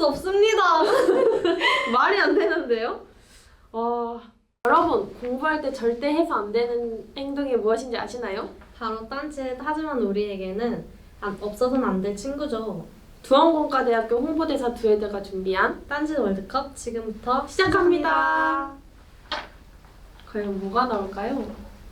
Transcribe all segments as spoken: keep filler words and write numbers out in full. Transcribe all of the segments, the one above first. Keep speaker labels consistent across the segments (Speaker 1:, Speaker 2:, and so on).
Speaker 1: 없습니다.
Speaker 2: 말이 안 되는데요? 어, 여러분 공부할 때 절대 해서 안 되는 행동이 무엇인지 아시나요?
Speaker 1: 바로 딴짓. 하지만 우리에게는 안, 없어서는 안 될 친구죠.
Speaker 2: 두원공과대학교 홍보대사 두혜대가 준비한
Speaker 1: 딴짓 월드컵 지금부터
Speaker 2: 시작합니다. 과연 뭐가 나올까요?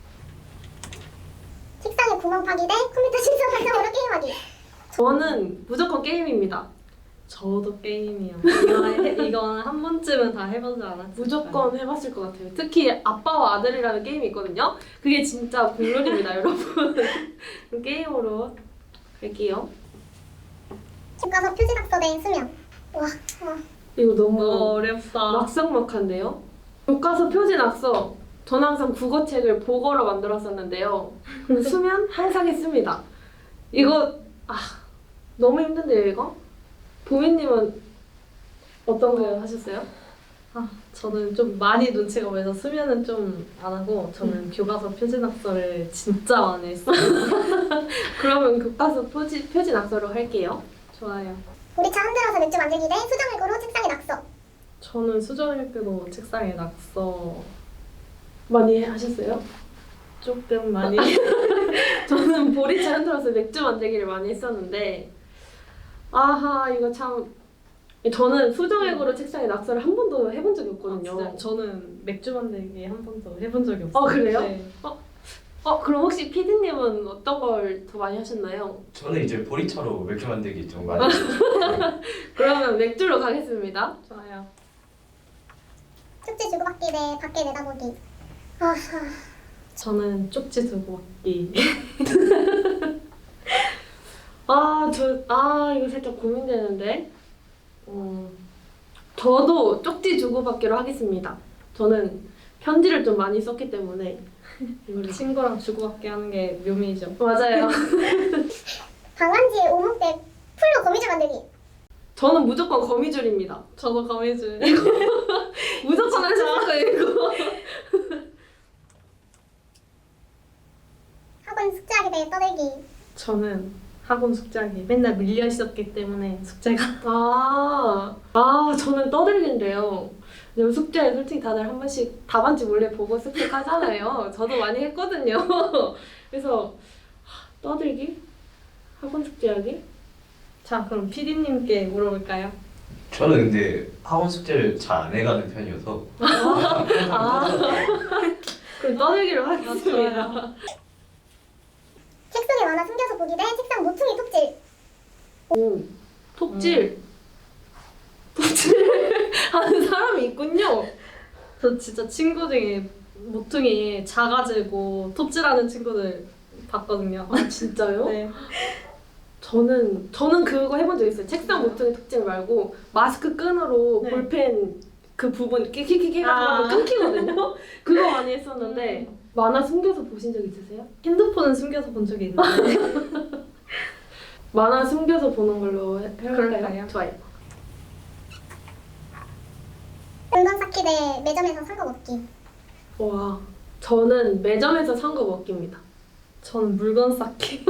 Speaker 3: 책상에 구멍 파기 대 컴퓨터 신선 활성으로 게임하기.
Speaker 2: 저는 무조건 게임입니다.
Speaker 1: 저도 게임이요. 이거 해- 이거는 한 번쯤은 다 해보지 않았을까요?
Speaker 2: 무조건 해봤을 것 같아요. 특히 아빠와 아들이라는 게임이 있거든요. 그게 진짜 공룰입니다, 여러분. 그럼 게임으로 갈게요.
Speaker 3: 집 가서 표지 낙서 대 수면. 와, 와.
Speaker 2: 이거
Speaker 1: 너무
Speaker 2: 너무
Speaker 1: 어렵다.
Speaker 2: 막상막한데요? 교과서 표지 낙서. 저는 항상 국어책을 복어로 만들었었는데요. 근데 수면 항상 했습니다. 이거 아 너무 힘든데요, 이거? 보미님은 어떤 거 하셨어요?
Speaker 1: 아, 저는 좀 많이 눈치가 보여서 수면은 좀 안 하고 저는
Speaker 2: 음.
Speaker 1: 교과서 표지 낙서를 진짜 많이 했어요.
Speaker 2: 그러면 교과서 표지, 표지 낙서로 할게요.
Speaker 1: 좋아요.
Speaker 3: 우리 차 흔들어서 맥주 만들기 대 수정일고로 책상에 낙서.
Speaker 1: 저는 수정일기로 책상에 낙서
Speaker 2: 많이 하셨어요?
Speaker 1: 조금 많이
Speaker 2: 저는 보리차 흔들어서 맥주 만들기를 많이 했었는데 아하 이거 참 저는 수정액으로 책상에 낙서를 한 번도 해본 적이 없거든요.
Speaker 1: 아, 진짜요? 저는 맥주 만들기 한 번도 해본 적이 없어요.
Speaker 2: 어, 그래요?
Speaker 1: 네.
Speaker 2: 어 그럼 혹시 피디님은 어떤 걸 더 많이 하셨나요?
Speaker 4: 저는 이제 보리차로 맥주 만들기 좀 많이 했어요.
Speaker 2: 그러면 맥주로 가겠습니다.
Speaker 1: 좋아요.
Speaker 3: 숙제 주고받기 대 밖에 내다보기. 아,
Speaker 1: 저는 쪽지 두고 받기.
Speaker 2: 아, 저, 아, 이거 살짝 고민되는데. 어, 저도 쪽지 주고받기로 하겠습니다. 저는 편지를 좀 많이 썼기 때문에. 이거를-
Speaker 1: 친구랑 주고받기 하는 게 묘미죠.
Speaker 2: 맞아요.
Speaker 3: 방안지에 오목 대 풀로 거미줄 만들기.
Speaker 2: 저는 무조건 거미줄입니다.
Speaker 1: 저도 거미줄.
Speaker 2: 무조건 하실 거예요, 이거.
Speaker 3: 학원 숙제하기 대 떠들기.
Speaker 1: 저는 학원 숙제하기 맨날 밀려 있었기 때문에 숙제가
Speaker 2: 아, 아, 저는 떠들기인데요. 요즘 숙제 솔직히 다들 한 번씩 답안지 몰래 보고 습득하잖아요. 저도 많이 했거든요. 그래서 하, 떠들기? 학원 숙제하기?
Speaker 1: 자 그럼 피디님께 물어볼까요?
Speaker 4: 저는 근데 학원 숙제를 잘 안 해가는 편이어서
Speaker 2: 아, 그럼 떠들기로
Speaker 1: 아,
Speaker 2: 하겠습니다.
Speaker 3: 책 속에 만화 숨겨서 보기 대 책상 모퉁이 톱질.
Speaker 2: 오, 톱질. 톱질 하는 사람이 있군요.
Speaker 1: 저 진짜 친구 중에 모퉁이 작아지고 톱질하는 친구들 봤거든요.
Speaker 2: 아, 진짜요?
Speaker 1: 네.
Speaker 2: 저는 저는 그거 해본 적 있어요. 책상 모퉁이 톱질 말고 마스크 끈으로
Speaker 1: 네.
Speaker 2: 볼펜 그 부분 끼끼끼끼
Speaker 1: 아.
Speaker 2: 하면 끊기거든요. 그거 많이 했었는데 만화 숨겨서 보신 적 있으세요?
Speaker 1: 핸드폰은 숨겨서 본 적이 있는데
Speaker 2: 만화 숨겨서 보는 걸로 해- 해볼까요?
Speaker 1: 그럴까요?
Speaker 2: 좋아요.
Speaker 3: 은건 쌓기 대 매점에서 산 거 먹기.
Speaker 2: 와, 저는 매점에서 산 거 먹기입니다.
Speaker 1: 저는 물건 쌓기.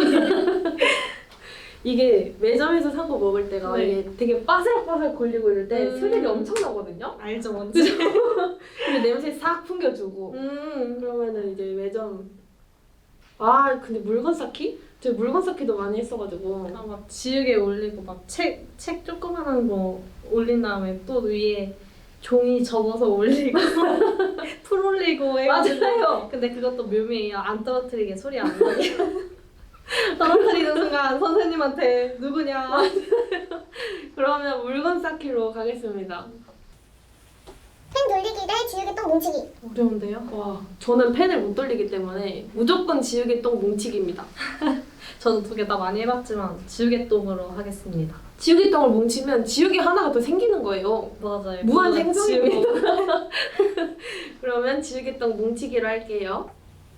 Speaker 2: 이게 매점에서 산 거 먹을 때가
Speaker 1: 네.
Speaker 2: 이게 되게 바삭바삭 걸리고 이럴 때
Speaker 1: 음.
Speaker 2: 스릴이 엄청 나거든요.
Speaker 1: 알죠 뭔지.
Speaker 2: 근데 냄새 싹 풍겨주고
Speaker 1: 음.
Speaker 2: 그러면은 이제 매점 아 근데 물건 쌓기? 저 물건 쌓기도 많이 했어가지고
Speaker 1: 아, 막 지우개 올리고 막 책 책 조그만한 거 올린 다음에 또 위에 종이 접어서 올리고 풀 올리고 해가지고
Speaker 2: 맞아요.
Speaker 1: 근데 그것도 묘미예요. 안 떨어뜨리게 소리 안 나게. 떨어뜨리는 순간 선생님한테 누구냐.
Speaker 2: 그러면 물건 쌓기로 가겠습니다.
Speaker 3: 펜 돌리기 대 지우개똥 뭉치기.
Speaker 1: 어려운데요?
Speaker 2: 와 저는 펜을 못 돌리기 때문에 무조건 지우개똥 뭉치기입니다.
Speaker 1: 저도 두 개 다 많이 해봤지만 지우개똥으로 하겠습니다.
Speaker 2: 지우개똥을 뭉치면 지우개 하나가 더 생기는 거예요.
Speaker 1: 맞아요.
Speaker 2: 무한
Speaker 1: 그거
Speaker 2: 생성이고. 그러면 지우개똥 뭉치기로 할게요.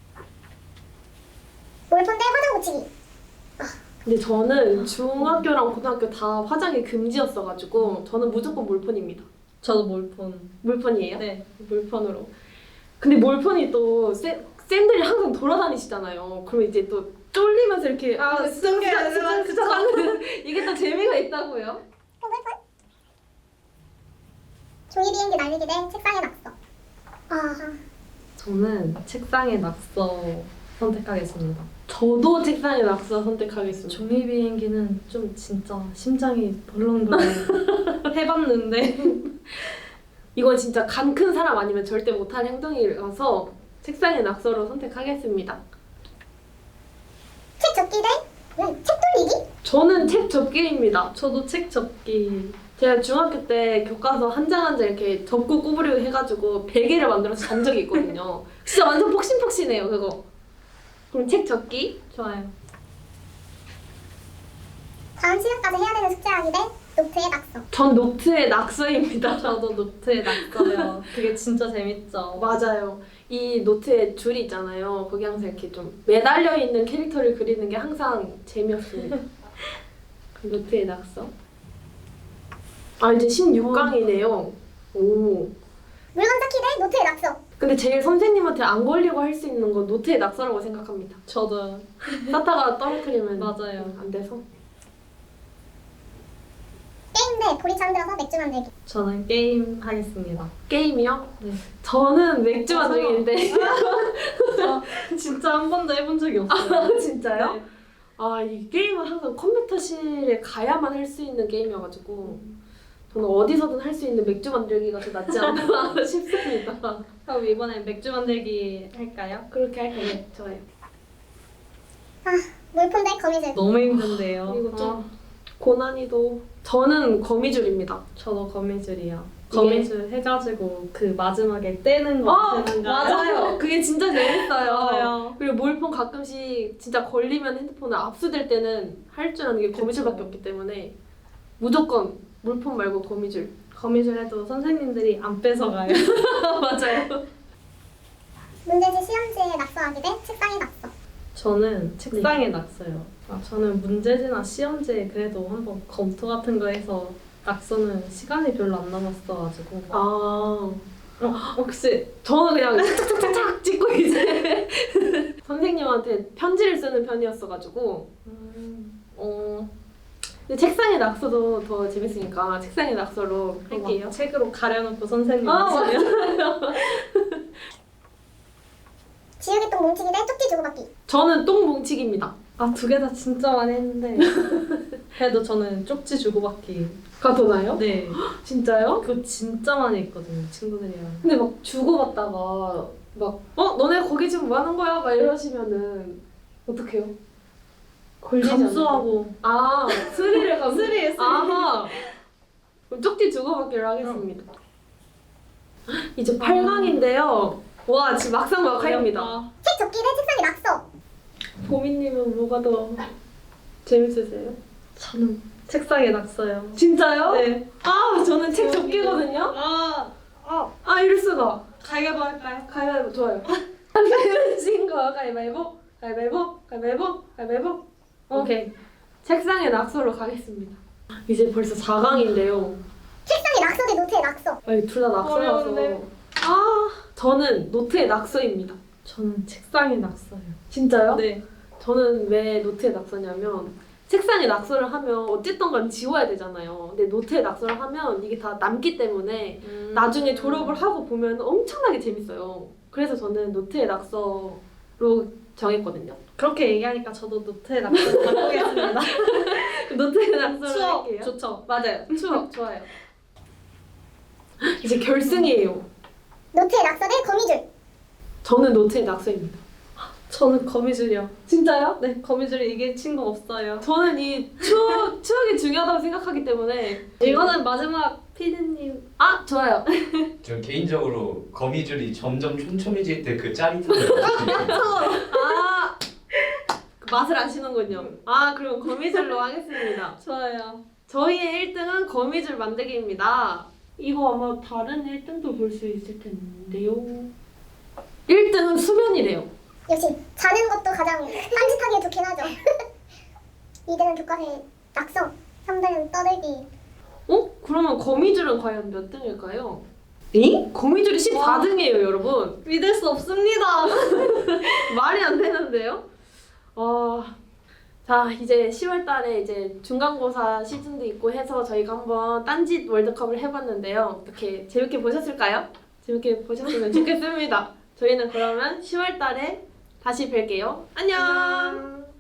Speaker 3: 몰폰 대 화장 고치기.
Speaker 2: 근데 저는 중학교랑 고등학교 다 화장이 금지였어가지고 저는 무조건 몰폰입니다.
Speaker 1: 저도 몰폰.
Speaker 2: 몰폰이에요?
Speaker 1: 네.
Speaker 2: 몰폰으로. 근데 몰폰이 또 쌤, 쌤들이 항상 돌아다니시잖아요. 그럼 이제 또 쫄리면서 이렇게
Speaker 1: 아,
Speaker 2: 아,
Speaker 1: 숨겨야 되나?
Speaker 2: 쓰자, 쓰자, 쓰자 하는 이게 또 재미가 있다고요.
Speaker 3: 어, 몰폰? 종이 비행기 날리기 대 책상의 낙서. 아,
Speaker 1: 저는 책상의 낙서 선택하겠습니다.
Speaker 2: 저도 책상에 낙서 선택하겠습니다.
Speaker 1: 종이 비행기는 좀 진짜 심장이 벌렁벌렁 해봤는데
Speaker 2: 이건 진짜 간 큰 사람 아니면 절대 못할 행동이라서 책상에 낙서로 선택하겠습니다.
Speaker 3: 책 접기 대 음, 책 돌리기?
Speaker 2: 저는 책 접기입니다.
Speaker 1: 저도 책 접기.
Speaker 2: 제가 중학교 때 교과서 한 장 한 장 이렇게 접고 구부리고 해가지고 베개를 만들어서 잔 적이 있거든요. 진짜 완전 폭신폭신해요 그거. 그럼 책 접기?
Speaker 1: 좋아요.
Speaker 3: 다음 시간까지 해야 되는 숙제하기 대 노트의 낙서.
Speaker 2: 전 노트의 낙서입니다.
Speaker 1: 저도 노트에 낙서요. 그게 진짜 재밌죠.
Speaker 2: 맞아요. 이 노트에 줄이 있잖아요. 거기 항상 이렇게 좀 매달려 있는 캐릭터를 그리는 게 항상 재미없습니다. 그럼 노트의 낙서. 아 이제 십육 강이네요. 오.
Speaker 3: 물건 쌓기 대 노트의 낙서.
Speaker 2: 근데 제일 선생님한테 안 걸리고 할 수 있는 건 노트의 낙서라고 생각합니다.
Speaker 1: 저도
Speaker 2: 쌓다가 떨어뜨리면
Speaker 1: 맞아요.
Speaker 2: 안 돼서.
Speaker 3: 게임 대 보리차 들어서 맥주 만들기.
Speaker 1: 저는 게임 하겠습니다.
Speaker 2: 게임이요?
Speaker 1: 네.
Speaker 2: 저는 맥주
Speaker 1: 아,
Speaker 2: 만들기인데.
Speaker 1: 저 진짜 한 번도 해본 적이 없어요.
Speaker 2: 진짜요?
Speaker 1: 네.
Speaker 2: 아, 이 게임은 항상 컴퓨터실에 가야만 할 수 있는 게임이어가지고 저는 어디서든 할 수 있는 맥주 만들기가 더 낫지 않나 싶습니다.
Speaker 1: 그럼 이번엔 맥주 만들기 할까요?
Speaker 2: 그렇게 할게요. 네, 좋아요.
Speaker 3: 아, 물품 대 거미줄.
Speaker 1: 너무 힘든데요.
Speaker 2: 이거 좀
Speaker 1: 아,
Speaker 2: 고난이도. 저는 거미줄입니다.
Speaker 1: 저도 거미줄이요.
Speaker 2: 이게-
Speaker 1: 거미줄 해가지고 그 마지막에 떼는 거
Speaker 2: 아,
Speaker 1: 아시는가요?
Speaker 2: 맞아요. 그게 진짜 재밌어요.
Speaker 1: 맞아요.
Speaker 2: 그리고 몰폰 가끔씩 진짜 걸리면 핸드폰을 압수될 때는 할 줄 아는 게 거미줄밖에
Speaker 1: 그쵸.
Speaker 2: 없기 때문에 무조건 몰폰 말고 거미줄.
Speaker 1: 거미줄 해도 선생님들이 안 뺏어가요.
Speaker 2: 맞아요.
Speaker 3: 문제지 시험지에 낙서하기 대 책상의 낙서.
Speaker 1: 저는 책상에 낙서요. 아, 저는 문제지나 시험지에 그래도 한번 검토 같은 거 해서 낙서는 시간이 별로 안 남았어가지고
Speaker 2: 아,
Speaker 1: 어, 혹시
Speaker 2: 저는 그냥 착착착착 찍고 이제 선생님한테 편지를 쓰는 편이었어가지고
Speaker 1: 음,
Speaker 2: 어 근데 책상에 낙서도 더 재밌으니까 책상에 낙서로 할게요.
Speaker 1: 막 책으로 가려놓고 선생님
Speaker 2: 아,
Speaker 1: 하시면
Speaker 3: 지우개 똥 뭉치기 대 쪽지 주고받기.
Speaker 2: 저는 똥 뭉치기입니다.
Speaker 1: 아, 두 개 다 진짜 많이 했는데 그래도 저는 쪽지 주고받기.
Speaker 2: 가도나요?
Speaker 1: 네,
Speaker 2: 진짜요?
Speaker 1: 그거 진짜 많이 했거든요, 친구들이랑.
Speaker 2: 근데 막 주고받다가 막 어? 너네 거기 지금 뭐 하는 거야? 막 이러시면은 어떡해요? 걸리지 않나요?
Speaker 1: 감수하고
Speaker 2: 아 스릴을 감수
Speaker 1: 스릴, 스릴.
Speaker 2: 아하 그럼 쪽지 주고받기로 하겠습니다. 이제 팔 강인데요. 와 지금 막상 막하입니다.
Speaker 1: 어렵다.
Speaker 3: 책 접기 대 책상의 낙서.
Speaker 2: 보미님은 뭐가 더 재밌으세요?
Speaker 1: 저는 책상에 낙서요.
Speaker 2: 진짜요?
Speaker 1: 네.
Speaker 2: 아 저는 책 접기거든요.
Speaker 1: 아, 아,
Speaker 2: 아 이럴 수가.
Speaker 1: 가위바위보 할까요?
Speaker 2: 가위바위보 좋아요. 하신 거 가위바위보 가위바위보 가위바위보 가위바위보. 오케이. 책상에 낙서로 가겠습니다. 이제 벌써 사 강인데요.
Speaker 3: 책상의 낙서 대 노트의 낙서.
Speaker 2: 아니 둘 다 낙서라서.
Speaker 1: 어려운데.
Speaker 2: 아 저는 노트의 낙서입니다.
Speaker 1: 저는 책상에 낙서요.
Speaker 2: 진짜요?
Speaker 1: 네.
Speaker 2: 저는 왜 노트에 낙서냐면 책상에 낙서를 하면 어쨌든 간 지워야 되잖아요. 근데 노트에 낙서를 하면 이게 다 남기 때문에
Speaker 1: 음.
Speaker 2: 나중에 졸업을 하고 보면 엄청나게 재밌어요. 그래서 저는 노트에 낙서로 정했거든요.
Speaker 1: 그렇게 얘기하니까 저도 노트에 낙서 바꾸겠습니다.
Speaker 2: 노트에 낙서를
Speaker 1: 추억
Speaker 2: 할게요.
Speaker 1: 좋죠.
Speaker 2: 맞아요. 추억 좋아요. 이제 결승이에요.
Speaker 3: 노트의 낙서 대 거미줄.
Speaker 2: 저는 노트에 낙서입니다.
Speaker 1: 저는 거미줄이요.
Speaker 2: 진짜요?
Speaker 1: 네, 거미줄이 이길 친구 없어요.
Speaker 2: 저는 이 추억, 추억이 중요하다고 생각하기 때문에
Speaker 1: 이거는 마지막 피디님.
Speaker 2: 아 좋아요.
Speaker 4: 전 개인적으로 거미줄이 점점 촘촘해질 때 그 짜릿함을 느끼고
Speaker 2: 아, 그 맛을 아시는군요. 아, 그럼 거미줄로 하겠습니다.
Speaker 1: 좋아요.
Speaker 2: 저희의 일 등은 거미줄 만들기입니다. 이거 아마 다른 일 등도 볼 수 있을 텐데요. 일 등은 수면이래요.
Speaker 3: 역시 자는 것도 가장 딴짓하기에 좋긴 하죠. 이 등은 교과서의 낙서. 삼 등은 떠들기.
Speaker 2: 어? 그러면 거미줄은 과연 몇 등일까요? 잉? 거미줄이 십사 등이에요, 여러분.
Speaker 1: 믿을 수 없습니다.
Speaker 2: 말이 안 되는데요? 아, 자, 이제 시월 달에 이제 중간고사 시즌도 있고 해서 저희가 한번 딴짓 월드컵을 해봤는데요. 어떻게 재밌게 보셨을까요? 재밌게 보셨으면 좋겠습니다. 저희는 그러면 시월 달에 다시 뵐게요. 안녕!